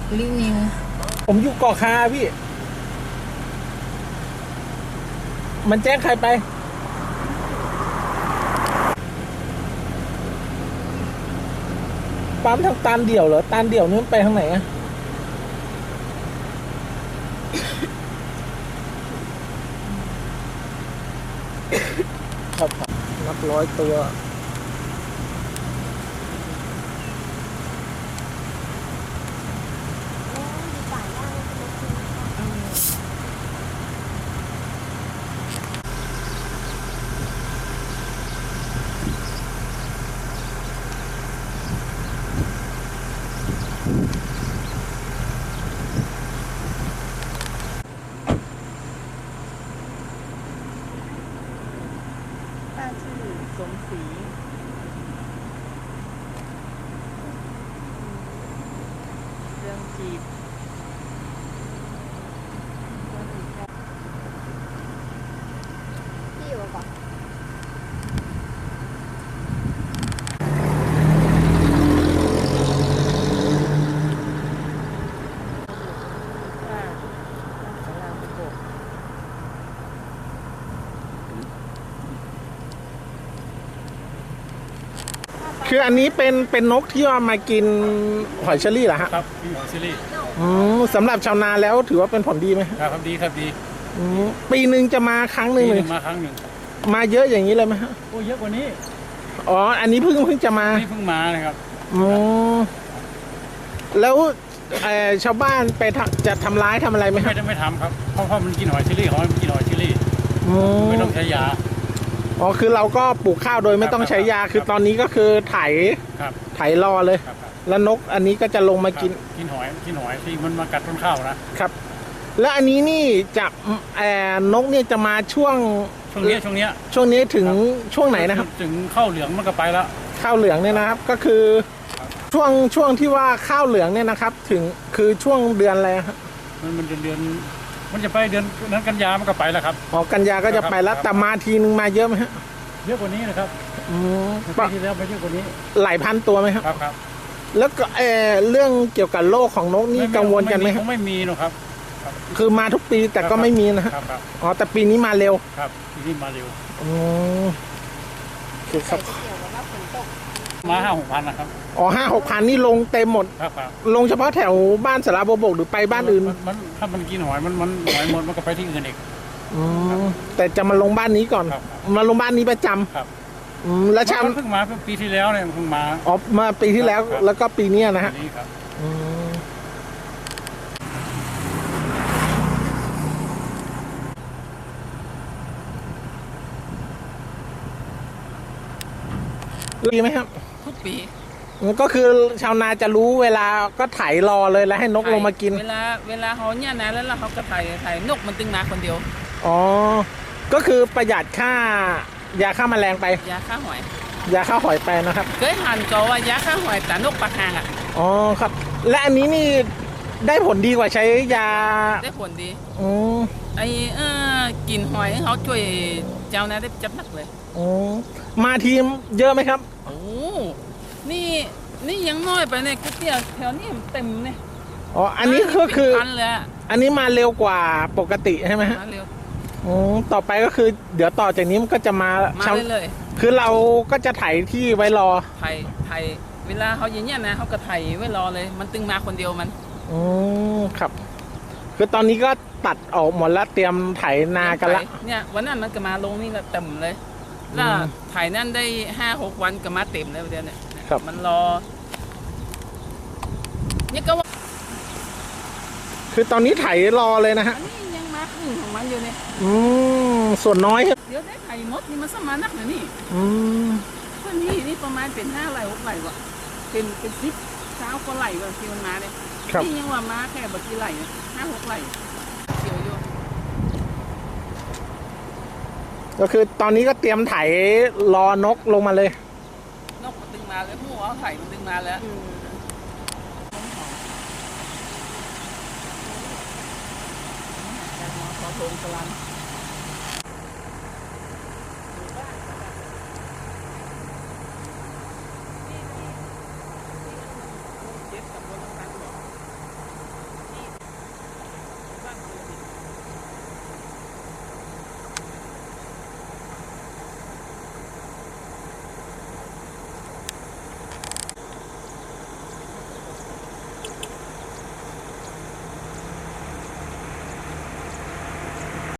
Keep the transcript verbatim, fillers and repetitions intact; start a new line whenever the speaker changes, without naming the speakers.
ลินิว
ผมอยู่เกาะคาพี่ มันแจ้งใครไปปั๊มทางตานเดี่ยวเหรอตานเดี่ยวนี่มันไปทางไหนอะครับนับร้อยตัว
ป้าชื่อสมศรีเรื่องจีบพี่อยู่ปะ
คืออันนี้เป็นเป็นนกที่ว่ามากินหอยเชอรี่เหรอฮะ
ครับพี่หอยเชอรี่
อืมสำหรับชาวนาแล้วถือว่าเป็นผลดีไหม
ครับดีครับดี
อืมปีหนึ่งจะมาครั้งหนึ่งเลย
มาครั้งหนึ่ง
มาเยอะอย่างนี้เลยไหมฮะ
โอ้เยอะกว่านี้
อ๋ออันนี้เพิ่งเพิ่งจะมา
นี่เพิ่งมานะครับ
อ๋อแล้วชาวบ้านไปจะทำร้ายทำอะไรไหม
ไม่ได้ไม่ทำครับเพราะเพราะมันกินหอยเชอรี่เขามันกินหอยเชอรี่ไม่ต้องใช้ยา
อ๋อคือเราก็ปลูกข้าวโดยไม่ต้องใช้ยาคือตอนนี้ก็คือไถไถรอเลยแล้วนกอันนี้ก็จะลงมากิน
กินหอยกินหอยที่มันมากัดต้นข้าวนะครับ
แล้วอันนี้นี่จะแอนนกเนี่ยจะมาช่วง
ช่วงนี้ช่วงนี้
ช่วงนี้ถึงช่วงไหนนะครับ
ถึงข้าวเหลืองมันก็ไปแล้ว
ข้าวเหลืองเนี่ยนะครับก็คือช่วงช่วงที่ว่าข้าวเหลืองเนี่ยนะครับถึงคือช่วงเดือนอะไรครับ
มันมันเดือนเดือนมันจะไปเดือนนั้นกันยามันก็ไปแล้วครับ
อ๋อกันยาก็จะไปแล้วแต่มาทีนึงมาเยอะไหมฮะ
เยอะกว่านี้นะครับ
อืม
ปีที่แล้วไปเยอะกว่านี้
หลายพันตัวไหมครับ
ครับครับ
แล้วก็เออเรื่องเกี่ยวกับโรคของนกนี่กังวลกันไหมครับ
ไม่มีหรอกครับ
คือมาทุกปีแต่ก็ไม่มีนะฮะอ๋อแต่ปีนี้มาเร็ว
ครับปีนี้มาเร็ว
อ๋อคือครับ
มาห้าหกพันนะครับ
อ๋อห้าหกพันนี่ลงเต็มหมด
ครับครับ
ลงเฉพาะแถวบ้านสระบบกหรือไปบ้านอื่น
มันถ้ามันกินหอยมันมันหอยหมดมันก็ไปที่อื่นอีก
อืมแต่จะมาลงบ้านนี้ก่อนมาลงบ้านนี้ประจำ
ครับ
อืมแล้วชา
เพิ่งมาเพิ่งปีที่แล้วเนี่ยเพิ่งมา
อ๋อมาปีที่แล้วแล้วก็ปีนี้นะฮะ
นี่ครับ
อืมดีไหมครับ
ทุกปี
ก็คือชาวนาจะรู้เวลาก็ไถรอเลยแล้วให้นกลงมากิน
เวลาเวลาเขาเนี่ยนะแล้วเขาก็ไถไถนกมันตึงมาคนเดียว
อ๋อก็คือประหยัดค่ายาฆ่าแมลงไป
ยาฆ่าหอย
ยาฆ่าหอยไปนะครับ
เคยหันก็ว่ายาฆ่าหอยแต่นกปลาคางอ่ะ
อ๋อครับและอันนี้นี่ได้ผลดีกว่าใช้ยา
ได้ผลดี
อือ
ไอเออกินหอยเขาช่วยเจ้านะได้จับนักเลย
อ๋อมาทีมเยอะไหมครับ
โอ้นี่นี่ยังน้อยไปเนี่ยก๋วยเตี๋ยวแถวนี้เต็มเนี่ย
อ๋ออันนี้ก็คืออันนี้มาเร็วกว่าปกติใช่ไหมฮะ
มาเร็ว
อ๋อต่อไปก็คือเดี๋ยวต่อจากนี้มันก็จะมา
มาเลย
คือเราก็จะไถที่ไว้รอ
ไถไถเวลาเขาอย่างเงี้ยนะเขาก็ไถไว้รอเลยมันตึงมาคนเดียวมัน
อ๋อครับคือตอนนี้ก็ตัดออกหมดแล้วเตรียมไถนากันละ
เนี่ยวันนั้นมันก็มาลงนี่ละเต็มเลยแล้วไถนั่นได้ห้าหกวันก็มาเต็มเลยเดี๋ยวเนี่ยมันรอนี่ก็ว่า
คือตอนนี้ไถรอเลยนะฮะ
นี่ยังมาครึ่งของมันอยู่เนี่ย
อืมส่วนน้อยครับ
เดี๋ยวได้ไถหมดนี่มันสมานักนะนี่
อืม
ก็นี่นี่ประมาณเป็นห้าไหลหกไหลวะเป็นเป็นสิบเช้าก็ไหลวะที่มันมาเนี่ยนี่ยังว่ามาแค่บางทีไหลห้าหกไหลเขียวอยู่
ก็คือตอนนี้ก็เตรียมไถรอนกลงมาเลย
นกมันดึงมาเลยหัวไถมันดึงมาแล้วขอโทษสลัน